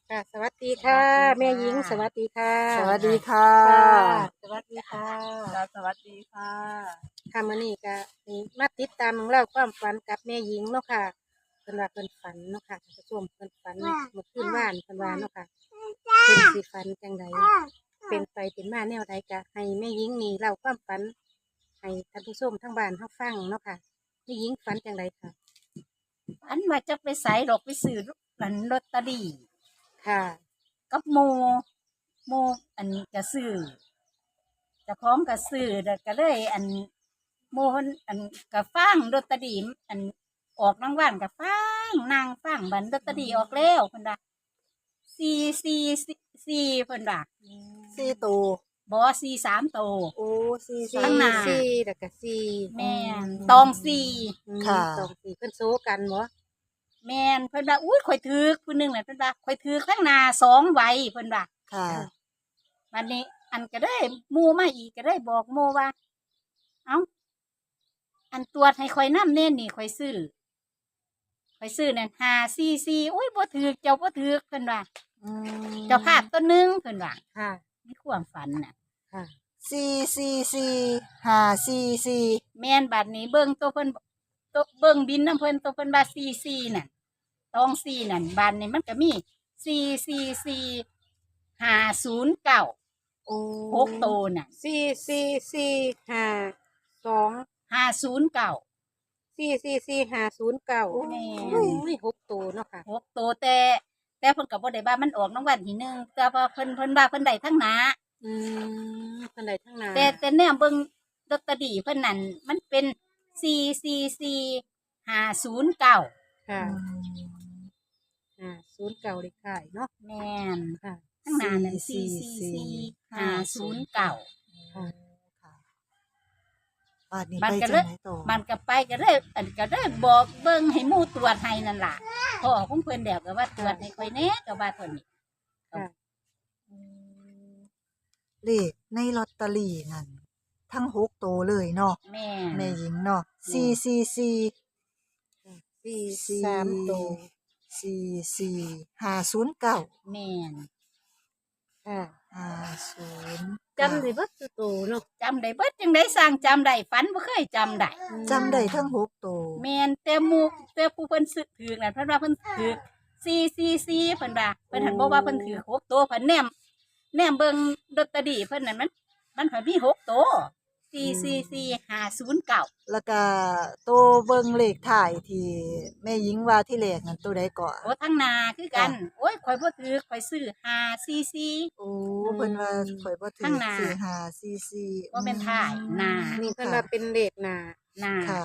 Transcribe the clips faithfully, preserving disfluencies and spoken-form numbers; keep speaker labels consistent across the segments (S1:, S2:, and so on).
S1: ค่ะสวัสดีค่ะแม่หญิงสวัสดีค่ะ
S2: สวัสดีค่ะ
S1: ค่ะสวัสดีค่ะ
S2: ค่ะสวัสดีค่ะ
S1: ค่ะมื้อนี้ก็นี่มาติดตามเรื่องราวความฝันกับแม่หญิงเนาะค่ะเพิ่นว่าเพิ่นฝันเนาะค่ะท่านผู้ชมเพิ่นฝันเมื่อคืนวานเพิ่นว่าเนาะค่ะเพิ่นสิฝันจังไดเป็นไปเป็นมาแนวใดก็ให้แม่หญิงนี่เล่าความฝันให้ท่านผู้ชมทั้งบ้านเฮาฟังเนาะค่ะแม่หญิงฝันจังไดค่ะ
S3: อันว่าจะไปใส่ดอกไปซื้ออันลอตเตอรี่
S1: ค่ะ
S3: กับโมโมอันกระซื้อเจะพร้าของกระซื้อแล้วก็เลยอันโมนอันกระฟังลอตเตอรี่อันออกรางวัลกระฟังนางฟังบันลอตเตอรี่ออกแล้วเพิ่นว่าสี่สี่สี่เพิ่นว่า
S2: สี่ตัว
S3: บอสี่สามโตว
S2: โอ้สี่
S1: สี่
S3: ข้างหน้า
S1: สี่แล้วก็สี่
S3: แม่นตองสี่
S1: อืม
S2: ค่ะ
S1: สองสี่เพิ่นโซกันบ่
S3: แม่นเพิ่นว่าอุ้ยข่อยถือผู้หนึงน่ะเพิ่นว่าข่อยถือข้างหน้าสองใบเพิ่นว่า
S2: ค่ะ
S3: วันนี้อันก็ได้หมู่มาอีกก็ได้บอกหมู่ว่า เอ้าอันตรวจให้ข่อยน้ำเน่นนี่ข่อยซื้อข่อยซื้อนั่นห้าสี่สี่อุ้ยบ่ถือเจ้าบ่ถือเพิ่นว่า
S2: อืม
S3: เจ้าภาพตัวหนึงเพิ่นว่า
S1: ค่ะ
S3: มีความฝันน่ะ
S1: ค่ะ
S2: สี่สี่สี่ห้าสี่สี่
S3: แม่นบัดนี้เบิ่งตัวเพิ่นตัวเบิ่งบินน้ำเพิ่นตัวเพิ่นว่าสี่สี่นั่นตองสี่นั่นบัดนี้มันก็มีสี่สี่สี่ห้าศูนย์เก้า
S1: โอ้
S3: หกโตวน่ะ
S1: สี่สี่สี่ห้าสอง
S3: ห้าศูนย์เก้า
S1: สี่สี่สี่ห้าศูนย์เก้า
S3: แม่น
S1: โอ้ยหกตัวเนาะค่ะ
S3: หกโตวแต่ แต่เพิ่นก็บ่ได้ว่ามันออกรางวัลที่หนึ่งแต่ว่าเพิ่นเพิ่นว่าเพิ่นได้ทั้งหน้า
S1: อืมเพิ่นได้ทั้งหน้า
S3: แต่แต่แนวเบิ่งลอตเตอรี่เพิ่นนั่นมันเป็นสี่สี่สี่ห้าศูนย์เก้า
S1: ค่ะ
S2: อืม
S1: อ่าศูนย์เก้าเลขท้ายเนาะ
S3: แม่น
S1: ค่ะ
S3: ทั้งหน้านั่นสี่สี่สี่ห้าศูนย์เก้า
S1: ค่ะ
S2: ค่ะบ้านนี้
S3: มัน
S2: ไป
S3: ก็
S2: จัง
S3: เลย
S2: ไหนต่อ
S3: มันก็ไปก็เลยอันก็เลยบอกเบิ่งให้หมู่ตรวจให้นั่นล่ะพ่อของเพิ่นเดี๋ยวก็ว่าตรวจให้ค่อยแหน่ก็ว่าเพิ่นนี่
S1: ค่ะ
S2: อืมเลขในลอตเตอรี่นั่นทั้งหกตัวเลยเนาะ
S3: แม่
S2: แม่หญิงเนาะสี่สี่สี่
S1: สี่
S2: สี่
S1: สามตัว
S2: สี่สี่ห้าศูนย์เก้า
S3: แม่น
S1: ค่ะ
S2: ห้าศูนย์
S1: จำได้เบิดทุกตัวเนาะ
S3: จำได้เบิดจังได๋สร้างจำได้ฝันบ่เคยจำได้
S2: จำได้ทั้งหกตัว
S3: แม่นแต่หมู่แต่ผู้เพิ่นซื้อถือนั่นเพิ่นว่าเพิ่นถือสี่สี่สี่เพิ่นว่าเพิ่นหันบอกว่าเพิ่นถือหกตัวเพิ่นแนมแนมเบิ่งลอตเตอรี่เพิ่นนั่นมันมันหันมีหกตัวสี่สี่สี่ห้าศูนย์เก้า
S2: แล้วก็ตัวเบิ่งเลขถ่ายที่แม่หญิงว่าที่แรกนั่นตัวใดก่อน
S3: โอ้ทั้งหนาคือกัน โอ้ยข่อยบ่ถือข่อยซื้อห้าสี่สี่
S2: โอ้เพิ่นว่าข่อยบ่ถื
S3: ข้า
S2: อง
S3: หน้า
S2: สี่ห้าสี่สี่
S3: บ่แม่นถ่ายหน้า
S1: นี่เพิ่นว่าเป็นเลขหน้า
S3: หน้า
S2: ค่ะ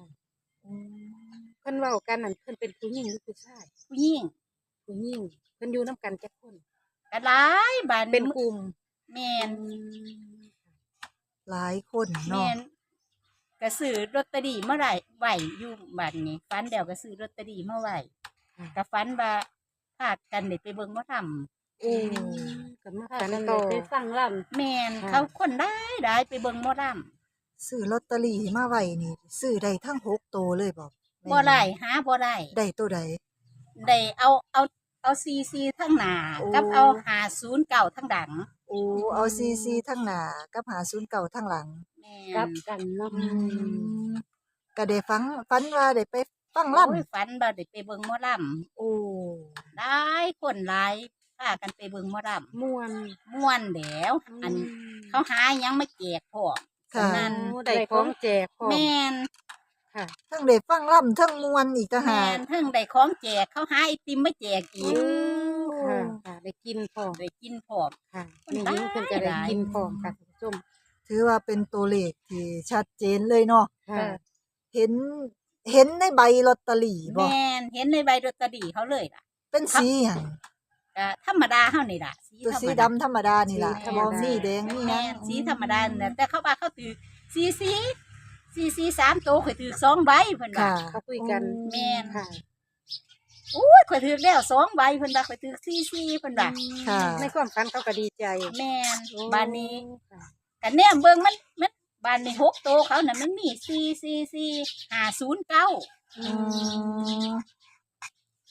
S1: เพิ่นเว้ากันนั่นเพิ่นเป็นผู้หญิงหรือผู้ชาย
S3: ผู้หญิง
S1: ผู้หญิงเพิ่นอยู่นํกันจักคน
S3: ก็หลายบาด
S1: เป็นกลุ่ม
S3: แม่น
S2: หลายคน
S3: แม่
S2: เนาะ
S3: นก็ซื้อลอตเตอรี่มาไว้ไว้อยู่บัดนี้ฝันแล้วก็ซื้อลอตเตอรี่มาไว้ก็ฝันว่าพากันได้ไปเบิ่งหมอลำ
S1: โอ้ก็มาฝันต่อ
S4: ไปฟังล่
S3: แม่น
S1: ค่ะ
S3: เขาคนได้ได้ไปเบิ่งหมอล
S2: ซื้อลอตเตอรี่มาไว้นี่ซื้อได้ทั้งหกตัวเลยบ่
S3: ำบ่ได้หาบ่ได้
S2: ได้ตัวใด
S3: ได้เอาเอาเอาซีซีทั้งหน้า
S2: โอ้
S3: กับเอาหาศูนย์เก่าทั้งดัง
S2: โอ้เอาสี่สี่ทั้งหน้ากับห้าศูนย์เก้าทั้งหลัง
S3: แม่
S4: ำกลับกันเนาะ
S2: อืมก็ได้ฟังฝันว่าได้ไปฟัง
S3: โอ้ย
S2: ล่ำ
S3: ฝันว่าได้ไปเบิ่งหมอล
S2: โอ้
S3: ำได้คนหลายพากันไปเบิ่งหมอล
S1: ม่วน
S3: ำม่วนแหล้วอันเขาหาหยังมาแจกพ่อ
S2: ค่ะ
S3: นั่น
S1: โอ้ได้ของแจกพร้อม
S3: แม่น
S1: ค่ะ
S2: ทั้งได้ฟังล่ำทั้งมวนอีกต่างหา
S3: แม่
S2: ก
S3: นเพิ่งได้ของแจกเขาหาไอติมมาแจกอีก
S1: ค่ะค่ะได้กินพร้อม
S3: ได้กินพร้อม
S1: ค่ะ
S3: คน
S1: นี่
S3: ได้
S1: ยิ่งเพิ่นก็ได้กินพร้อมค่ะท่านผู้ชม
S2: ถือว่าเป็นตัวเลขที่ชัดเจนเลยเนาะ
S1: ค่ะ
S2: เห็นเห็นในใบลอตเตอรี่บ่
S3: แม่นเห็นในใบลอตเตอรี่เขาเลยล่ะ
S2: เป็นสีหยัง
S3: ก็ธรรมดาเฮานี่ล่ะสี
S2: ตัว
S3: ธรร
S2: สี
S3: ม
S2: ดำ
S3: ดา
S2: ธรรมดานี่ล่ะ
S1: สีธรรม
S2: บ่
S1: ดา
S2: มีแดงมีห
S3: แม่
S2: ยัง
S3: นสีธรรมดาเนี่ยแต่เขาว่าเขาถือสีสีสีสีสามตัวข่อยถือสองใบเพิ่นว่า
S2: ค่ะ
S1: เขาคุยกัน
S3: แม่น
S1: ค่ะ
S3: อู้ยข่อยถือแล้วสองใบเพิ่นว่าข่อยถือสีสีเพิ่นว่า
S2: ค่ะ
S1: ในความฝันเขาก็ดีใจ
S3: แม่นบ้านนี้
S1: ค่ะ
S3: กันแนมเบิ่งมันมันบ้านนี้หกโตวเขาน่ะมันมีสี่สี่สี่ห้าศูนย์เก้า
S1: อื
S2: อื
S1: ม
S2: ม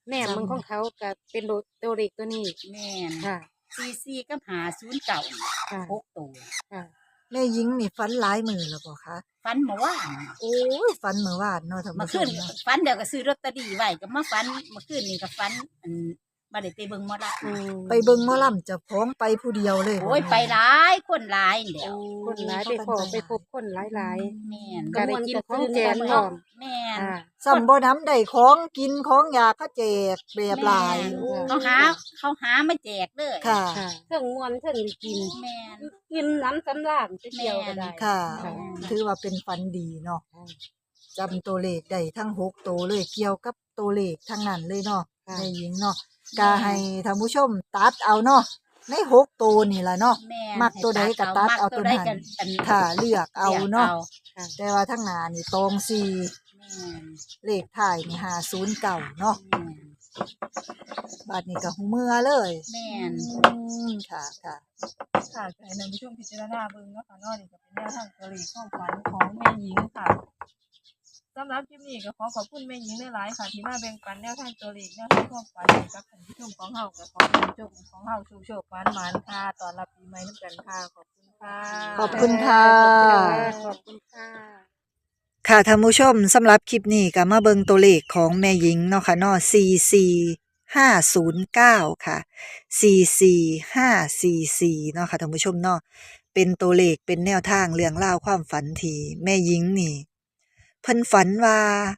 S1: แม่มึงของเขาก็เป็นโดตัวเด็กตัวนี้
S3: แม่น
S1: ค่ะ
S3: สี่สี่กับหาศูนย์เก่า
S1: ค่ะ
S3: หกตัว
S1: ค่ะ
S2: แม่หญิงนี่ฝันหลายมื้อแล้วบ่คะ
S3: ฟันเมื่อวาน
S2: โอ้ยฝันเมื่อวานเนาะท่าน
S3: เมื่อ
S2: ผู้ช
S3: คื
S2: ม
S3: น
S2: เนาะ
S3: ฟันเดี๋ยวก็ซื้อลอตเตอรี่ไว้ก็มาฟันเมื่อคืนนี่ก็ฟันอันบ่ได้ไปเบิ่งหมอละ
S1: อืม
S2: ไปเบิ่งหมอลำเจ้าของไปผู้เดียวเลยบ่
S3: โอ้ย
S2: แม่
S3: ไปหลายคนหลายนี่แหล้ว
S1: คนหลายไปพอไปพบคนหลายหลาย
S3: แม่น
S1: ก็ได้กินของแจกพร้อม
S3: แม่น
S1: ค่ะ
S2: ซ้ำบ่น้ำได้ของกินของอยากเขาแจกแบบหลาย
S3: แม่น
S2: โอ้ย
S3: เขาหาเขาหามาแจกเลย
S2: ค่ะ
S1: ค่ะ
S4: เทิงมวนเทิงได้กิน
S3: แม่น
S4: กินน้ำสำราญจะเกี่ยวก็ได้
S2: ค่ะ
S3: ค่ะ
S2: ถือว่าเป็นฝันดีเนาะจำตัวเลขได้ทั้งหกตัวเลยเกี่ยวกับตัวเลขทั้งนั้นเลยเนาะ
S1: ค่ะ
S2: แม่หญิงเนาะก็ให้ท่านผู้ชมตัดเอาเนาะในหกตัวนี่ล่ะเนาะ
S3: แม่น
S2: มักตัวใดก็ตัดเอาตัวนั้น
S3: มักใดก็อัน
S2: ค่ะเลือกเอาเนาะ
S1: ค่ะ
S2: แต่ว่าทั้งหน้านี่ตองสี่
S3: แม่น
S2: เลขท้ายนี่ห้าศูนย์เก้าเนาะ
S3: แม่น
S2: บัดนี้ก็หูเมื่อเลย
S3: แม่น
S2: อืมค่ะค่ะ
S5: ค่ะก็ให้ท่านผู้ชมพิจารณาเบิ่งเนาะค่ะเนาะนี่ก็เป็นแนวทางตัวเลขความฝันของแม่หญิงค่ะสำหรับคลิปนี้ก็ขอขอบคุณแม่หญิงหลายๆค่ะ ที่มาแบ่งปันแนวทางตัวเลขแนวทางความฝันให้กับท่านผู้ชมของเฮาก็ขอให้ท่านผู้ชมของเฮาโชคๆหวานๆค่ะต้อนรับปีใหม่นำกันค่ะขอบคุณค่ะ
S2: ขอบคุณค่ะ
S1: ขอบคุณค่ะ
S2: ค่ะท่านผู้ชมสำหรับคลิปนี้ก็มาเบิ่งตัวเลขของแม่หญิงเนาะค่ะเนาะสี่สี่ห้าศูนย์เก้าค่ะสี่สี่ห้าสี่สี่เนาะค่ะท่านผู้ชมเนาะเป็นตัวเลขเป็นแนวทางเรื่องราวความฝันที่แม่หญิงนี่เพิ่นฝันว่า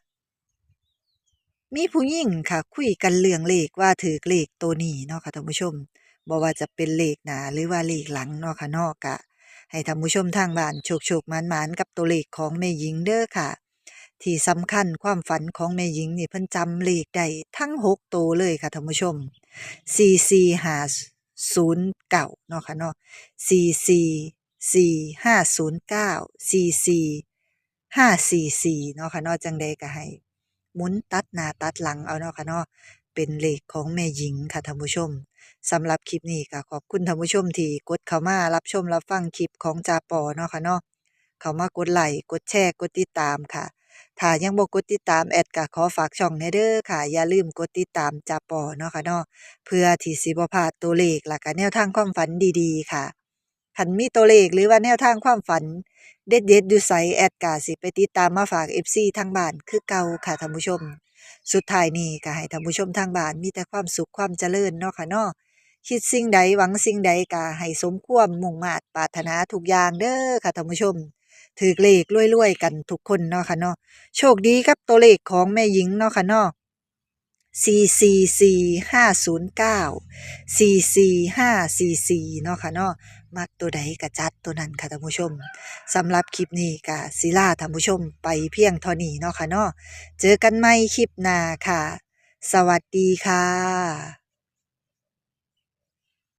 S2: มีผู้หญิงค่ะ คุยกันเรื่องเลขว่าถือเลขตัวนี้เนาะค่ะท่านผู้ชมบ่ว่าจะเป็นเลขหน้าหรือว่าเลขหลังเนาะค่ะเนาะก็ให้ท่านผู้ชมทางบ้านโชคๆหมานๆกับตัวเลขของแม่หญิงเด้อค่ะ ที่สำคัญความฝันของแม่หญิงนี่เพิ่นจำเลขได้ทั้งหกตัวเลยค่ะท่านผู้ชมสี่สี่ห้าศูนย์เก้าเนาะค่ะเนาะสี่สี่สี่ห้าศูนย์เก้าสี่สี่ห้าสี่สี่เนาะค่ะเนาะจังใดก็ให้หมุนตัดหน้าตัดหลังเอาเนาะค่ะเนาะเป็นเลขของแม่หญิงค่ะท่านผู้ชมสำหรับคลิปนี้ก็ขอบคุณท่านผู้ชมที่กดเข้ามารับชมรับฟังคลิปของจาปอเนาะค่ะเนาะเข้ามากดไลค์กดแชร์กดติดตามค่ะ ถ้ายังบ่กดติดตามแอดก็ขอฝากช่องแหน่เด้อค่ะ อย่าลืมกดติดตามจาปอเนาะค่ะเนาะเพื่อที่สิบ่พลาดตัวเลขและก็แนวทางความฝันดีๆค่ะคันมีตัวเลขหรือว่าแนวทางความฝันเด็ดๆอยู่ไสแอดก็สิไปติดตามมาฝาก เอฟ ซี ทางบ้านคือเก่าค่ะท่านผู้ชม สุดท้ายนี้ก็ให้ท่านผู้ชมทางบ้านมีแต่ความสุขความเจริญเนาะค่ะเนาะคิดสิ่งใดหวังสิ่งใดก็ให้สมความมุ่งมา่ปรารถนาทุกอย่างเด้อค่ะท่านผู้ชม ถือเลขรวยๆกันทุกคนเนาะค่ะเนาะโชคดีกับตัวเลขของแม่หญิงเนาะค่ะเนาะสี่สี่สี่ห้าศูนย์เก้าสี่สี่ห้าสี่สี่เนาะค่ะเนาะมักตัวใดก็จัดตัวนั้นค่ะท่านผู้ชมสำหรับคลิปนี้ก็ศิลาท่านผู้ชมไปเพียงเท่านี้เนาะค่ะเนาะเจอกันใหม่คลิปหน้าค่ะ สวัสดีค่ะ